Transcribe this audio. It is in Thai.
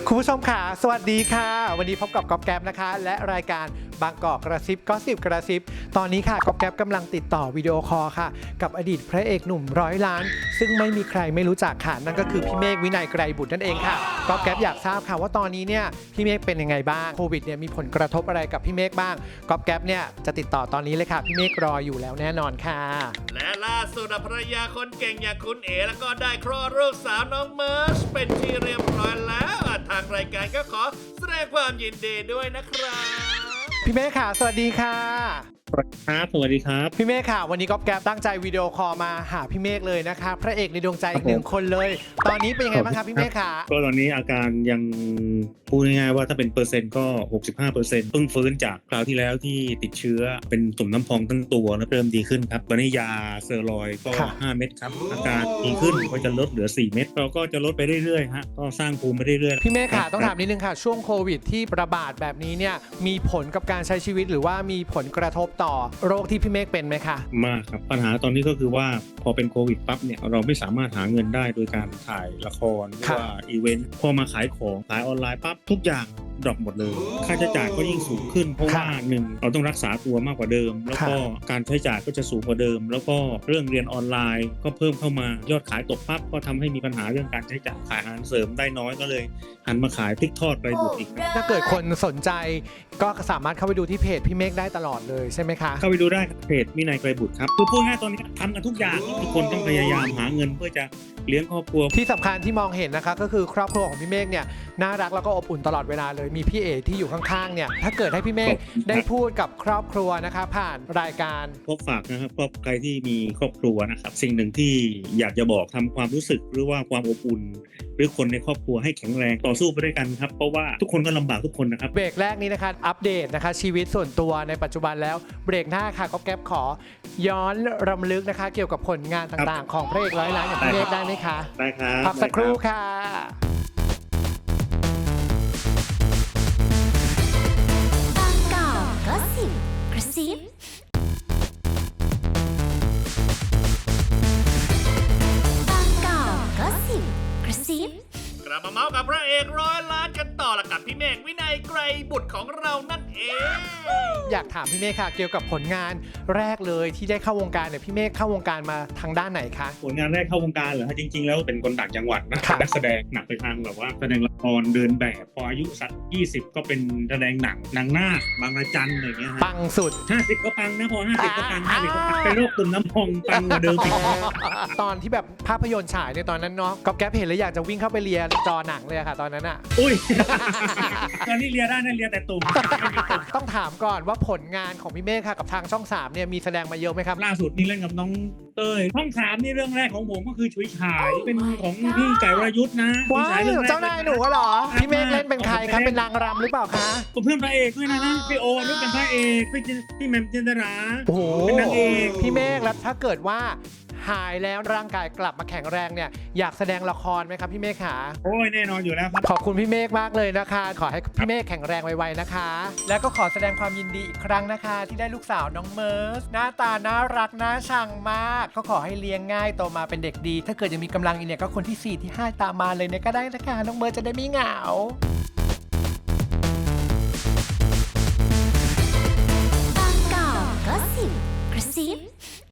คุณผู้ชมค่ะสวัสดีค่ะวันนี้พบกับก๊อฟแก๊ปนะคะและรายการบางกอกกระซิบก็สิบกระซิบตอนนี้ค่ะก๊อฟแก๊ปกำลังติดต่อวิดีโอคอลค่ะกับอดีตพระเอกหนุ่มร้อยล้าน ซึ่งไม่มีใครไม่รู้จักค่ะนั่นก็คือพี่เมฆวินัยไกรบุตรนั่นเองค่ะก๊อฟแก๊ปอยากทราบค่ะว่าตอนนี้เนี่ยพี่เมฆเป็นยังไงบ้างโควิดเนี่ยมีผลกระทบอะไรกับพี่เมฆบ้างก๊อฟแก๊ปเนี่ยจะติดต่อตอนนี้เลยค่ะพี่เมฆรออยู่แล้วแน่นอนค่ะและล่าสุดภรรยาคนเก่งอย่างคุณเอ๋แล้วก็ได้คลอดลูกสาวน้องเมิร์ชเป็นที่เรียบร้อยแล้วทางรายการก็ขอแสดงความยินดีด้วยนะครับพี่เมฆค่ะสวัสดีค่ะครับสวัสดีครับพี่เมฆค่ะวันนี้ก๊อฟแก๊ปตั้งใจวิดีโอคอลมาหาพี่เมฆเลยนะคะพระเอกในดวงใจอีกหนึ่งคนเลยตอนนี้เป็นยังไงบ้างครับพี่เมฆค่ะก็ตอนนี้อาการยังพูดง่ายๆว่าถ้าเป็นเปอร์เซ็นต์ก็ 65%เพิ่งฟื้นจากคราวที่แล้วที่ติดเชื้อเป็นตุ่มน้ำพองทั้งตัวแล้วเริ่มดีขึ้นครับตอนนี้ยาสเตียรอยด์ก็5เม็ดครับอาการดีขึ้นก็จะลดเหลือ4เม็ดเราก็จะลดไปเรื่อยๆฮะก็สร้างภูมิไปเรื่อยๆพี่เมฆค่ะต้องถามนิดนึงค่ะช่วงโควิดที่ระบาดแบบนี้เนี่ยมีผลกับการใช้ชีวิตหรือว่ามีผลกระทบต่อโรคที่พี่เมฆเป็นไหมคะมากครับปัญหาตอนนี้ก็คือว่าพอเป็นโควิดปั๊บเนี่ยเราไม่สามารถหาเงินได้โดยการถ่ายละครหรือว่าอีเวนต์พอมาขายของขายออนไลน์ปั๊บทุกอย่างดรอปหมดเลยค่าใช้จ่ายก็ยิ่งสูงขึ้นเพราะว่า1เราต้องรักษาตัวมากกว่าเดิมแล้วก็การใช้จ่ายก็จะสูงกว่าเดิมแล้วก็เรื่องเรียนออนไลน์ก็เพิ่มเข้ามายอดขายตกปั๊บก็ทำให้มีปัญหาเรื่องการใช้จ่ายขายอาหารเสริมได้น้อยก็เลยหันมาขายพริกทอดไกรบุตรอีกถ้าเกิดคนสนใจก็สามารถเข้าไปดูที่เพจพี่เมฆได้ตลอดเลยใช่ไหมคะเข้าไปดูได้เพจวินัยไกรบุตรครับคือพูดง่ายตอนนี้ทำกันทุกอย่างทุกคนต้องพยายามหาเงินเพื่อจะเลี้ยงครอบครัวที่สำคัญที่มองเห็นนะคะก็คือครอบครัวของพี่เมฆเนี่ยน่ารักแล้วก็อบอุ่นตลอดเวลาเลยมีพี่เอ๋ที่อยู่ข้างๆเนี่ยถ้าเกิดให้พี่เมฆได้พูดกับครอบครัวนะคะผ่านรายการพบฝากนะครับครอบใครที่มีครอบครัวนะครับสิ่งหนึ่งที่อยากจะบอกทำความรู้สึกหรือว่าความอบอุ่นหรือคนในครอบครัวให้แข็งแรงต่อสู้ไปด้วยกันครับเพราะว่าทุกคนก็ลำบากทุกคนนะครับเบรกแรกนี้นะคะอัปเดตนะคะชีวิตส่วนตัวในปัจจุบันแล้วเบรกหน้าค่ะก๊อฟแก๊ปขอย้อนรำลึกนะคะเกี่ยวกับผลงานต่างๆของพระเอกร้อยล้านอย่างพี่เมฆได้ไหมคะได้ครับพักสักครู่ค่ะบางกอกก็สิบกระซิบางกอกก็สิบกระซิบกลับมาเมาส์กับพระเอกร้อยล้านกันต่อละกับพี่เมฆวินัยไกรบุตรของเรานั่นเองอยากถามพี่เมฆค่ะเกี่ยวกับผลงานแรกเลยที่ได้เข้าวงการเนี่ยพี่เมฆเข้าวงการมาทางด้านไหนคะผลงานแรกเข้าวงการเหรอจริงๆแล้วเป็นคนต่างจังหวัดนะนักแสดงหนักไปทางแบบว่าแสดงละครเดินแบบพออายุสัก20ก็เป็นแสดงหนังหน้าบางระจันอะไรเงี้ยปังสุด 50ก็ปังนะพอ50ก็ปัง50ก็ปังเป็นโรคตุ่มน้ำพองปังกว่าเดิมตอนที่แบบภาพยนตร์ฉายในตอนนั้นเนาะก๊อฟแก๊ปเห็นแล้วอยากจะวิ่งเข้าไปเลียจอหนังเลยค่ะตอนนั้นอ่ะอุ้ยตอนนี้เลียได้นะเลียแต่ตุ่มต้องถามก่อนว่าผลงานของพี่เมฆค่ะกับทางช่อง3เนี่ยมีแสดงมาเยอะไหมครับล่าสุดนี่เล่นกับน้องเต้ยช่อง3นี่เรื่องแรกของผมก็คือฉุยฉายเป็นของพี่ไก่วรยุทธ์นะว้าวเจ้านายหนูเหรอพี่เมฆเล่นเป็นใครครับเป็นนางรำหรือเปล่าคะเพื่อนพระเอกด้วยนะพี่โอนี่เป็นพระเอกพี่แหม่มจินตราโอ้โหเป็นนางเอกพี่เมฆแล้วถ้าเกิดว่าหายแล้วร่างกายกลับมาแข็งแรงเนี่ยอยากแสดงละครไหมครับพี่เมฆขาโอ้ยแน่นอนอยู่แล้วครับขอบคุณพี่เมฆมากเลยนะคะขอให้พี่เมฆแข็งแรงไวๆนะคะแล้วก็ขอแสดงความยินดีอีกครั้งนะคะที่ได้ลูกสาวน้องเมิร์สหน้าตาน่ารักน่าชังมากก็ขอให้เลี้ยงง่ายโตมาเป็นเด็กดีถ้าเกิดยังมีกำลังอีกเนี่ยก็คนที่4ที่5ตามมาเลยเนี่ยก็ได้นะคะน้องเมิร์สจะได้ไม่เหงาบางกอกก็สิบกระซิบ